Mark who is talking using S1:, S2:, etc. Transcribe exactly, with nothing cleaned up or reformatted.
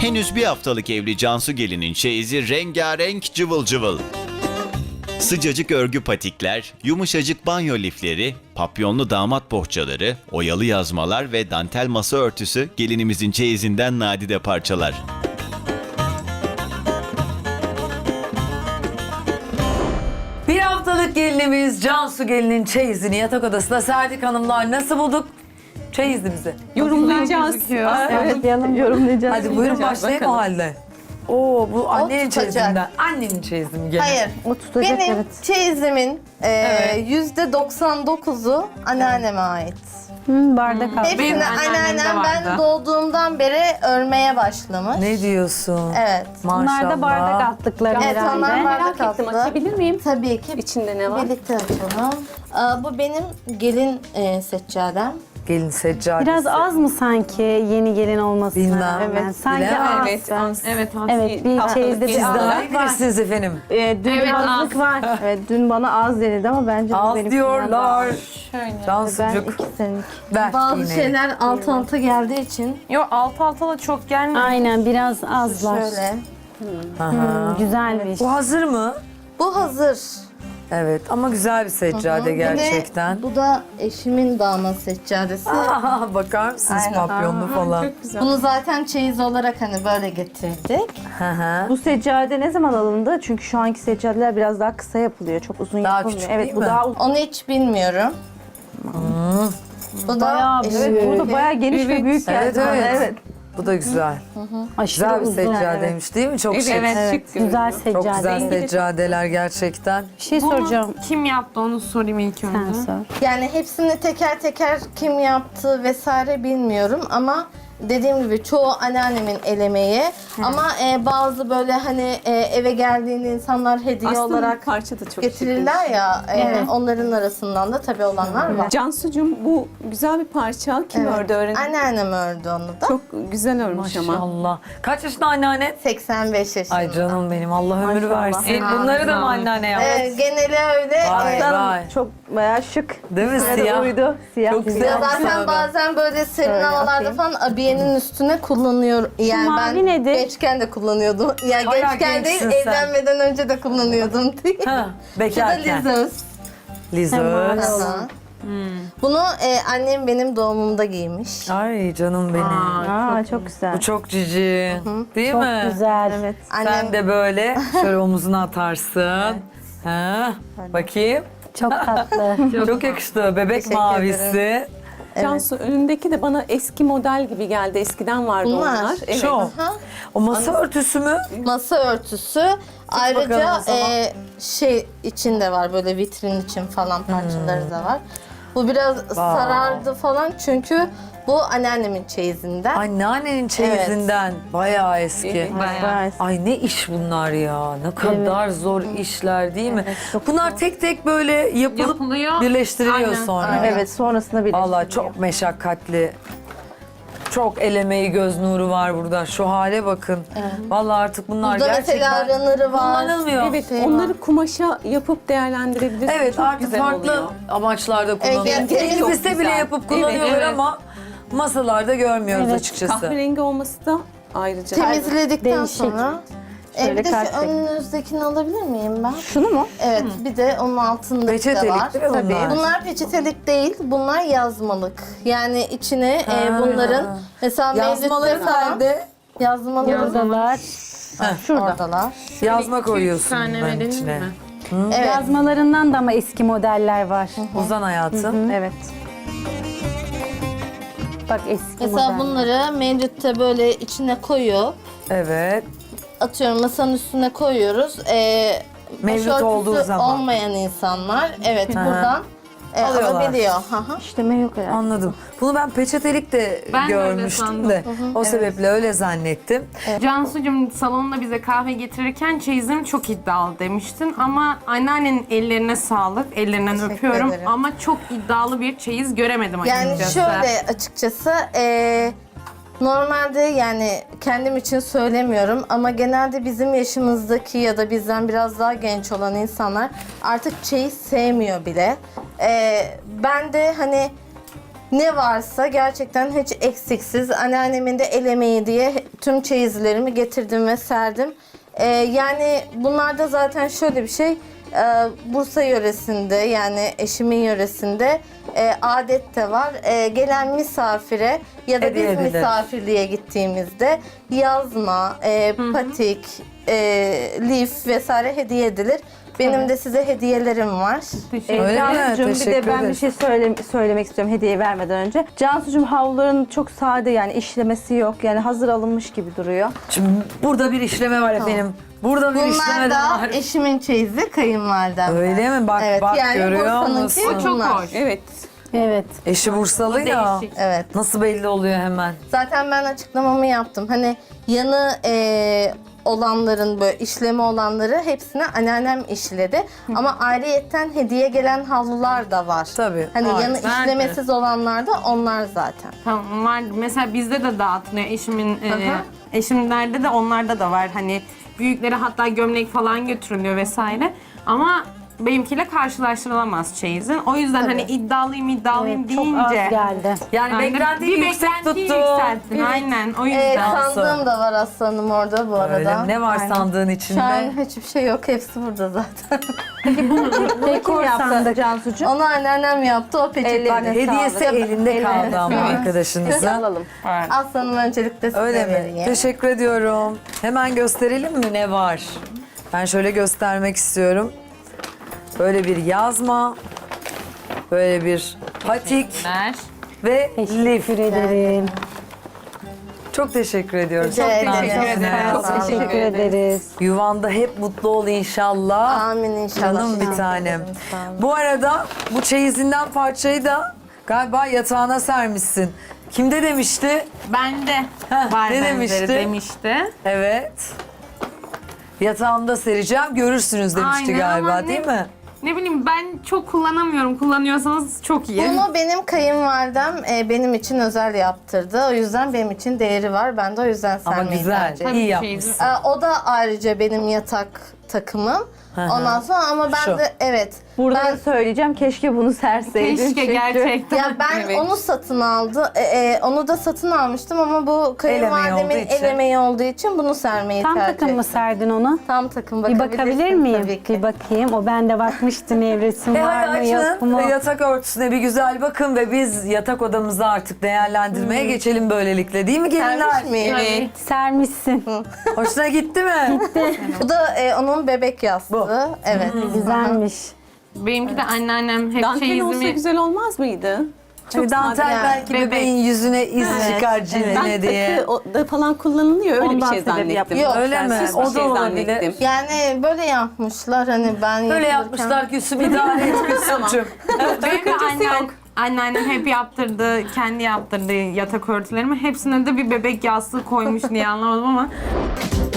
S1: Henüz bir haftalık evli Cansu gelinin çeyizi rengarenk cıvıl cıvıl. Sıcacık örgü patikler, yumuşacık banyo lifleri, papyonlu damat bohçaları, oyalı yazmalar ve dantel masa örtüsü gelinimizin çeyizinden nadide parçalar.
S2: Bir haftalık gelinimiz Cansu gelinin çeyizini yatak odasında serdik hanımlar. Nasıl bulduk çeyizimizi?
S3: Yorumlayacağız.
S4: Evet, yanım yorumlayacağız.
S2: Hadi buyurun başlayalım o halde. Oo bu annenin
S5: tutacak.
S2: çeyizinden. Annenin çeyizi mi gene?
S5: Hayır.
S4: O tutacak,
S5: Benim
S4: evet.
S5: çeyizimin yüzde doksan dokuzu anneanneme ait.
S4: Hı, bardak al.
S5: Hepsini
S3: Benim anneannemde
S5: anneannem ben
S3: vardı.
S5: doğduğumdan beri örmeye başlamış.
S2: Ne diyorsun?
S5: Evet.
S2: Maşallah.
S4: Bunlar da bardak attıkları
S5: Evet, onlar
S4: herhalde.
S5: bardak
S3: Merak ettim,
S5: altı.
S3: açabilir miyim?
S5: Tabii ki.
S3: İçinde ne var?
S5: Birlikte açalım. Aa, bu benim gelin e, seccadem.
S2: Gelin seccadesi.
S4: Biraz az mı sanki yeni gelin olmasına?
S2: Bilmem.
S4: Evet. Sanki
S2: Bilemem.
S4: az.
S3: Evet, az. Evet, az.
S4: Evet, bir çeyizde
S2: Siz
S4: bir
S2: daha iyi bilirsiniz efendim.
S4: Ee, dün
S3: Evet,
S4: azlık
S3: az.
S4: var. Evet, dün bana az denildi ama bence bu
S2: Az
S4: benim
S2: diyorlar.
S4: Ben
S2: Cansucuk
S4: iki senelik.
S2: ver
S5: Bazı
S2: yine.
S5: şeyler alt alta geldiği için
S3: Yok, alt alta da çok gelmiyor.
S4: Aynen, biraz azlar.
S5: şöyle.
S2: Aha.
S4: Güzelmiş.
S2: Bu hazır mı?
S5: Bu hazır.
S2: Evet ama güzel bir seccade
S5: Bir de
S2: gerçekten.
S5: bu da eşimin damat seccadesi.
S2: Aha, bakar mısınız
S5: Aynen.
S2: papyonlu falan?
S5: Bunu zaten çeyiz olarak hani böyle getirdik.
S2: Hı hı.
S4: Bu seccade ne zaman alındı? Çünkü şu anki seccadeler biraz daha kısa yapılıyor. Çok uzun
S2: Daha
S4: yapılmıyor.
S2: küçük
S4: Evet,
S2: değil
S4: bu
S2: mi?
S4: daha uzun.
S5: Onu hiç bilmiyorum. Bu da
S4: Bayağı büyük.
S5: eşimin.
S4: Evet, bu da bayağı geniş ve büyük geldi.
S2: Evet,
S4: bana.
S2: evet.
S4: evet.
S2: Bu da güzel.
S4: Aşırı
S2: Güzel bir
S4: uzun. Evet.
S2: seccadeymiş değil mi? Çok şık.
S3: Evet,
S4: Evet,
S3: şık
S4: güzel
S3: görünüyor.
S4: seccade.
S2: Çok güzel seccadeler gerçekten.
S4: Bir şey soracağım.
S3: Kim yaptı onu sorayım ilk
S4: Sen
S3: önce.
S4: sor.
S5: Yani hepsini teker teker kim yaptı vesaire bilmiyorum ama dediğim gibi çoğu anneannemin el emeği. Ama e, bazı böyle hani e, eve geldiğinde insanlar hediye
S3: Aslında
S5: olarak
S3: parça da çok
S5: getirirler
S3: şık.
S5: ya. e,
S4: Evet.
S5: Onların arasından da tabii olanlar var.
S3: Cansucuğum, bu güzel bir parça. Kim
S5: Evet.
S3: ördü öğrendi?
S5: Anneannem ördü onu da.
S3: Çok güzel örmüş ama.
S2: Maşallah. Kaç yaşında anneanne?
S5: seksen beş yaşında.
S2: Ay canım benim Allah ömür
S4: Maşallah.
S2: versin.
S3: Evet.
S2: Bunları da mı anneanne yaptı?
S5: E, geneli öyle.
S2: Vay
S5: e,
S2: vay.
S4: Çok bayağı şık.
S2: Değil mi
S4: Size de
S2: siyah?
S4: uydu. Siyah
S2: Çok
S4: güzel.
S2: güzel.
S5: Ya zaten
S2: Şöyle.
S5: bazen böyle serin
S4: Şöyle
S5: havalarda
S4: yapayım.
S5: falan abiyenin üstüne kullanıyor. Yani
S4: mavi
S5: ben
S4: nedir?
S5: gençken de kullanıyordum. Yani
S2: Bayağı
S5: gençken değil,
S2: gençsin sen.
S5: evlenmeden önce de kullanıyordum diye.
S2: Ha,
S5: Bu da
S2: bekarken.
S5: Lizos.
S2: Lizos.
S5: Aha. Bunu e, annem benim doğumumda giymiş.
S2: Ay canım benim.
S4: Aa, çok güzel.
S2: Bu çok cici. Değil
S4: Çok
S2: mi?
S4: güzel. Evet.
S2: Sen
S5: Annem
S2: de böyle şöyle omuzuna atarsın. Ha, bakayım.
S4: Çok tatlı.
S2: Çok yakıştı. Bebek
S5: Teşekkür
S2: mavisi.
S3: Cansu, önündeki de bana eski model gibi geldi. Eskiden vardı
S5: Bunlar.
S3: onlar. Evet.
S2: Çok.
S5: Aha.
S2: O masa örtüsü mü?
S5: Masa örtüsü. Ayrıca
S2: bakalım o zaman.
S5: e, şey için de var, böyle vitrin için falan parçaları da var. Bu biraz sarardı falan çünkü bu anneannemin çeyizinden.
S2: Anneannenin çeyizinden. Bayağı eski.
S3: Bayağı.
S2: Ay ne iş bunlar ya. Ne kadar zor işler değil mi?
S4: çok
S2: Bunlar tek tek böyle yapılıp
S3: Yapılıyor.
S2: birleştiriliyor
S3: Aynen.
S2: sonra.
S4: Evet, sonrasında bir
S2: Vallahi çok meşakkatli. Çok el emeği, göz nuru var burada. Şu hale bakın. Vallahi artık bunlar
S5: Burada
S2: gerçekten
S5: mesela runner'ı var.
S2: kullanılmıyor.
S3: Evet,
S5: Şey var.
S3: onları kumaşa yapıp değerlendirebilirsin.
S2: Evet,
S3: Çok
S2: artık
S3: güzel
S2: farklı
S3: oluyor.
S2: amaçlarda kullanılıyor.
S5: yani temiz-
S2: Elimizde
S3: Çok
S2: bile
S3: güzel.
S2: yapıp
S3: Evet,
S2: kullanıyorlar
S3: evet.
S2: ama masalarda görmüyoruz
S4: Evet,
S2: açıkçası.
S3: Kahverengi olması da ayrıca.
S5: Temizledikten
S4: Değişik.
S5: sonra. E,
S4: Şöyle
S5: bir de şu
S4: kalp rengi.
S5: önünüzdekini alabilir miyim ben?
S4: Şunu mu?
S5: Evet, bir de onun altındaki de
S2: Peçetelik
S5: var.
S2: değil mi
S5: Tabii.
S2: bunlar?
S5: Bunlar peçetelik değil, bunlar yazmalık. Yani içine e,
S2: Ha.
S5: bunların mesela
S2: Yazmaları
S5: mevlütte falan
S2: nerede?
S5: yazmaları
S4: Buradalar. Şurada.
S5: oradalar.
S2: Yazma koyuyorsun
S3: tane
S2: bunların
S3: verelim
S2: içine.
S3: mi?
S5: Evet.
S4: Yazmalarından da ama eski modeller var.
S2: Uzan hayatım.
S4: Evet. Bak eski
S5: Mesela
S4: model.
S5: bunları mevlütte böyle içine koyuyor.
S2: Evet.
S5: Atıyorum masanın üstüne koyuyoruz. E,
S2: Mevlüt
S5: başörtüsü
S2: olduğu zaman.
S5: olmayan insanlar evet buradan e,
S2: Alıyorlar.
S5: alabiliyor. Hı hı.
S4: İşleme yok herhalde.
S2: Anladım. Bunu ben peçetelik de
S3: Ben de öyle
S2: görmüştüm
S3: sandım.
S2: de. O sebeple öyle zannettim.
S6: Cansu'cum salonda bize kahve getirirken çeyizim çok iddialı demiştin ama anneannenin ellerine sağlık, ellerinden
S5: Teşekkür
S6: öpüyorum
S5: ederim.
S6: ama çok iddialı bir çeyiz göremedim
S5: Yani
S6: açıkçası.
S5: şöyle açıkçası e, normalde yani kendim için söylemiyorum ama genelde bizim yaşımızdaki ya da bizden biraz daha genç olan insanlar artık çeyiz sevmiyor bile. E, ben de hani ne varsa gerçekten hiç eksiksiz. Anneannemin de el emeği diye tüm çeyizlerimi getirdim ve serdim. Ee, yani bunlarda zaten şöyle bir şey. e, Bursa yöresinde yani eşimin yöresinde e, adet de var. E, gelen misafire ya da
S2: Hediye
S5: biz
S2: edilir.
S5: misafirliğe gittiğimizde yazma, e, patik, e, lif vesaire hediye edilir. Benim de size hediyelerim var.
S3: Teşekkür
S2: Öyle mi?
S4: Cansucuğum, bir
S2: Teşekkür
S4: de ben
S2: ederim.
S4: bir şey söyle, söylemek istiyorum hediye vermeden önce. Cansucuğum havluların çok sade yani işlemesi yok. Yani hazır alınmış gibi duruyor.
S2: Şimdi burada bir işleme var efendim. Burada bir işleme
S5: Bunlar
S2: de
S5: da
S2: var.
S5: eşimin çeyizi, kayınvalidem.
S2: Öyle mi? Bak
S5: Evet,
S2: bak
S5: yani
S2: görüyor
S5: Bursa'nınki
S2: musun?
S6: Çok
S5: bunlar.
S6: hoş.
S3: Evet.
S4: Evet.
S2: Eşi Bursalı ya.
S6: Değişik.
S5: Evet.
S2: Nasıl belli oluyor hemen?
S5: Zaten ben açıklamamı yaptım. Hani yanı e, olanların böyle işlemi olanları hepsini anneannem işledi. Ama ayrıyetten hediye gelen havlular da var.
S2: Tabii,
S5: Hani
S2: var.
S5: yanı
S6: Nerede?
S5: işlemesiz olanlar da onlar zaten.
S6: Tamam var. Mesela bizde de dağıtılıyor. Eşimin e,
S5: Aha.
S6: eşimlerde de onlarda da var. Hani büyüklere hatta gömlek falan götürülüyor vesaire. Ama benimkiyle karşılaştırılamaz çeyizin. O yüzden hani iddialıyım iddialıyım
S4: Çok az
S6: deyince.
S4: geldi.
S2: Yani
S6: Aynen.
S2: beklentiyi
S6: bir
S2: yüksek
S6: beklentiyi
S2: tuttu.
S6: yükselttin. Aynen o yüzden.
S5: Evet,
S2: Cansu.
S5: sandığım da var aslanım orada bu arada.
S2: Öyle mi? Ne var
S5: Aynen.
S2: sandığın
S5: Şu
S2: içinde?
S5: an hiçbir şey yok. Hepsi burada zaten.
S4: Dekor yaptı Cansucuğum.
S5: Onu anneannem yaptı. O
S2: Bak
S5: peçetleri.
S2: hediyesi
S5: sağlık.
S2: elinde kaldı ama
S5: Evet.
S2: arkadaşınızın.
S4: Alalım.
S5: Aslanım öncelikle size
S2: Öyle mi?
S5: vereyim.
S2: Teşekkür ediyorum. Hemen gösterelim mi ne var? Ben şöyle göstermek istiyorum. Böyle bir yazma, böyle bir patik
S6: Ver.
S2: ve lif.
S4: Teşekkür ederim.
S2: Çok teşekkür ediyorum.
S5: Rica
S2: Çok
S5: ederim.
S2: naziksiniz.
S5: Çok
S4: Çok teşekkür ederiz.
S2: Yuvanda hep mutlu ol inşallah.
S5: Amin inşallah.
S2: Canım bir tanem. Bu arada bu çeyizinden parçayı da galiba yatağına sermişsin. Kimde demişti?
S6: Bende
S2: Heh,
S6: var
S2: ne
S6: benzeri
S2: demişti?
S6: demişti.
S2: Evet. Yatağımda sereceğim, görürsünüz demişti
S6: Aynen
S2: galiba
S6: ama
S2: değil
S6: ne-
S2: mi?
S6: Ne bileyim ben çok kullanamıyorum. Kullanıyorsanız çok iyi.
S5: Bunu benim kayınvalidem e, benim için özel yaptırdı. O yüzden benim için değeri var. Ben de o yüzden
S2: Ama
S5: sermeyi
S2: güzel,
S5: tercih
S6: Tabii
S2: iyi
S6: ki
S2: yapmışsın.
S5: E, o da ayrıca benim yatak takımım.
S2: Hı hı.
S5: Ondan sonra ama ben
S2: Şu.
S5: de evet.
S4: Burada
S5: ben
S4: da söyleyeceğim keşke bunu serseydin.
S6: Keşke
S4: çünkü-
S6: gerçekten.
S5: ya ben
S6: Evet.
S5: onu satın aldı. e, e, onu da satın almıştım ama bu kayınvalidemin
S2: olduğu için.
S5: el emeği olduğu için bunu sermeyi
S7: Tam
S5: tercih
S7: takım mı
S5: ettim.
S7: serdin onu?
S5: Tam takım
S7: Bir
S5: bakabilirsin
S7: bakabilir miyim?
S5: tabii ki.
S7: Bir bakayım. O ben de bakmıştım evresim
S2: E
S7: var mı
S2: hadi
S7: yok
S2: açın
S7: mu?
S2: ve yatak örtüsüne bir güzel bakın ve biz yatak odamızı artık değerlendirmeye geçelim böylelikle değil mi gelinler?
S5: Sermiş miyim?
S6: Evet.
S7: Sermişsin.
S2: Hoşuna gitti mi?
S5: Bu da e, onun bebek yastığı.
S2: Bu.
S5: Evet.
S7: Güzelmiş.
S6: Benimki de anneannem hep
S3: Dantel olsa
S6: çeyizimi...
S3: güzel olmaz mıydı?
S2: Hani dantel
S5: yani.
S2: belki
S6: Bebek.
S2: bebeğin yüzüne iz çıkar cildine
S3: Ben
S2: diye.
S3: takı o- da falan kullanılıyor öyle
S4: Ondan
S3: bir şey
S4: sebep
S3: zannettim.
S4: yapıyor.
S5: Yok,
S2: Öyle mi?
S3: Süs bir
S2: O da
S3: şey
S2: olabilir.
S3: zannettim.
S5: Yani böyle yapmışlar hani ben
S2: Böyle
S5: yapılırken-
S2: yapmışlar Gülsüm idare et Gülsüm'cüm.
S6: Benim de annen, anneannem hep yaptırdı, kendi yaptırdı yatak örtülerimi. Hepsine de bir bebek yastığı koymuş diye anlamadım ama